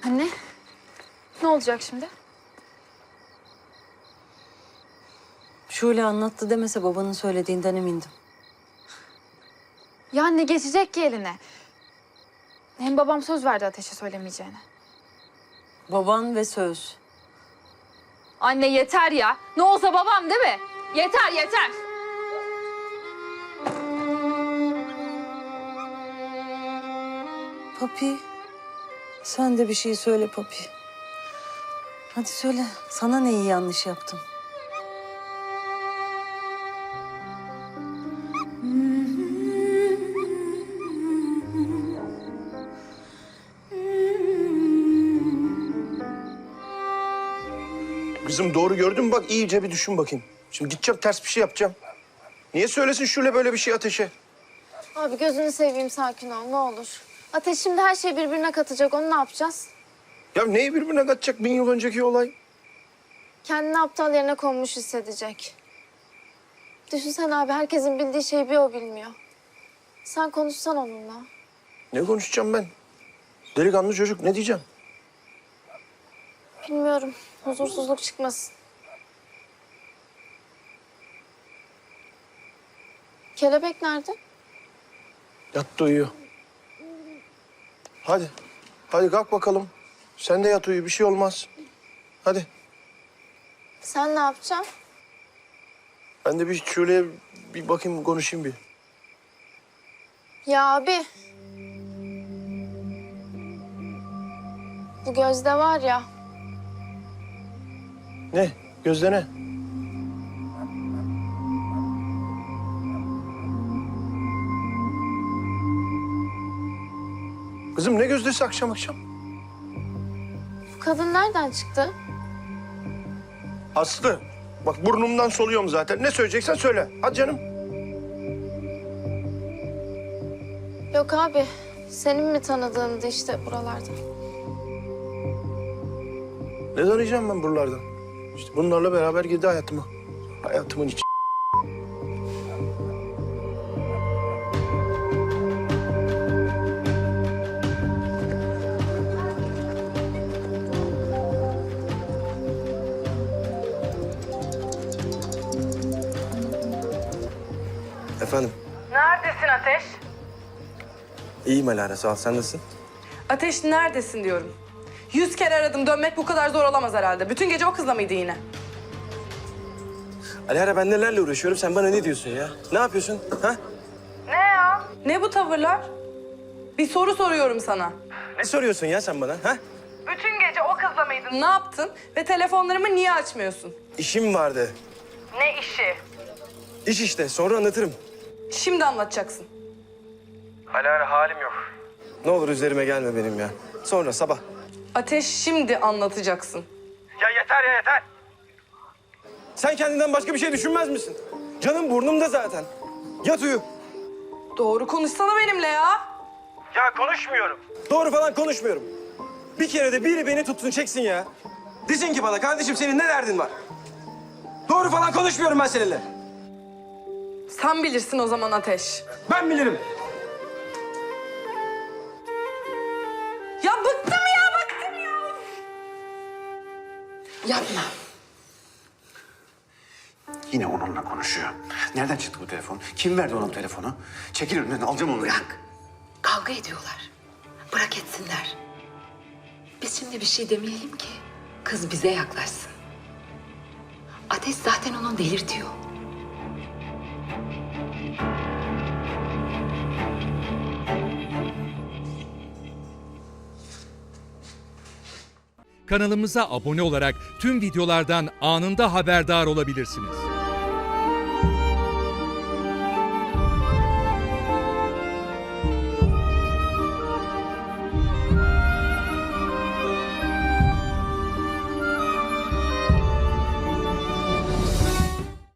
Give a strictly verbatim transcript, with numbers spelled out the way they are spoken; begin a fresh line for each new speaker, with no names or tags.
Anne, ne olacak şimdi?
Şule anlattı demese babanın söylediğinden emindim.
Ya ne geçecek ki eline? Hem babam söz verdi Ateş'e söylemeyeceğine.
Baban ve söz.
Anne yeter ya. Ne olsa babam değil mi? Yeter yeter.
Papi, sen de bir şey söyle Papi. Hadi söyle, sana neyi yanlış yaptım?
Kızım doğru gördün mü? Bak iyice bir düşün bakayım. Şimdi gideceğim ters bir şey yapacağım. Niye söylesin Şule böyle bir şey Ateş'e?
Abi gözünü seveyim, sakin ol ne olur. Ateş şimdi her şeyi birbirine katacak, onu ne yapacağız?
Ya neyi birbirine katacak bin yıl önceki olay?
Kendini aptal yerine konmuş hissedecek. Düşünsene abi, herkesin bildiği şeyi bir o bilmiyor. Sen konuşsan onunla.
Ne konuşacağım ben? Delikanlı çocuk ne diyeceğim?
Bilmiyorum, huzursuzluk çıkmasın. Kelebek nerede?
Yattı uyuyor. Hadi. Hadi kalk bakalım. Sen de yat uyu bir şey olmaz. Hadi.
Sen ne yapacaksın?
Ben de bir Şule'ye bir bakayım konuşayım bir.
Ya abi. Bu Gözde var ya.
Ne? Gözde ne? Kızım ne gözdesi akşam akşam?
Bu kadın nereden çıktı?
Aslı. Bak burnumdan soluyorum zaten. Ne söyleyeceksen söyle. Hadi canım.
Yok abi. Senin mi tanıdığındı işte buralarda?
Ne arayacağım ben buralardan? İşte bunlarla beraber girdi hayatıma. Hayatımın içi.
Efendim?
Neredesin Ateş?
İyiyim Alara, sağ ol. Sen nasılsın?
Ateş neredesin diyorum. Yüz kere aradım, dönmek bu kadar zor olamaz herhalde. Bütün gece o kızla mıydı yine?
Alara, ben nelerle uğraşıyorum, sen bana ne diyorsun ya? Ne yapıyorsun, ha?
Ne ya? Ne bu tavırlar? Bir soru soruyorum sana.
Ne soruyorsun ya sen bana, ha?
Bütün gece o kızla mıydın? Ne yaptın? Ve telefonlarımı niye açmıyorsun?
İşim vardı.
Ne işi?
İş işte, sonra anlatırım.
Şimdi anlatacaksın.
Alara, halim yok. Ne olur üzerime gelme benim ya. Sonra, sabah.
Ateş, şimdi anlatacaksın.
Ya yeter ya, yeter! Sen kendinden başka bir şey düşünmez misin? Canım burnumda zaten. Yat uyu.
Doğru konuşsana benimle ya.
Ya konuşmuyorum. Doğru falan konuşmuyorum. Bir kere de biri beni tutsun çeksin ya. Desin ki bana, kardeşim senin ne derdin var? Doğru falan konuşmuyorum ben seninle.
Sen bilirsin o zaman Ateş.
Ben bilirim.
Ya bıktım ya, bıktım ya.
Yapma. Yine onunla konuşuyor. Nereden çıktı bu telefon? Kim verdi ona bu telefonu? Çekil önünden, alacağım onu.
Bırak. Kavga ediyorlar. Bırak etsinler. Biz şimdi bir şey demeyelim ki kız bize yaklaşsın. Ateş zaten onu delirtiyor.
Kanalımıza abone olarak tüm videolardan anında haberdar olabilirsiniz.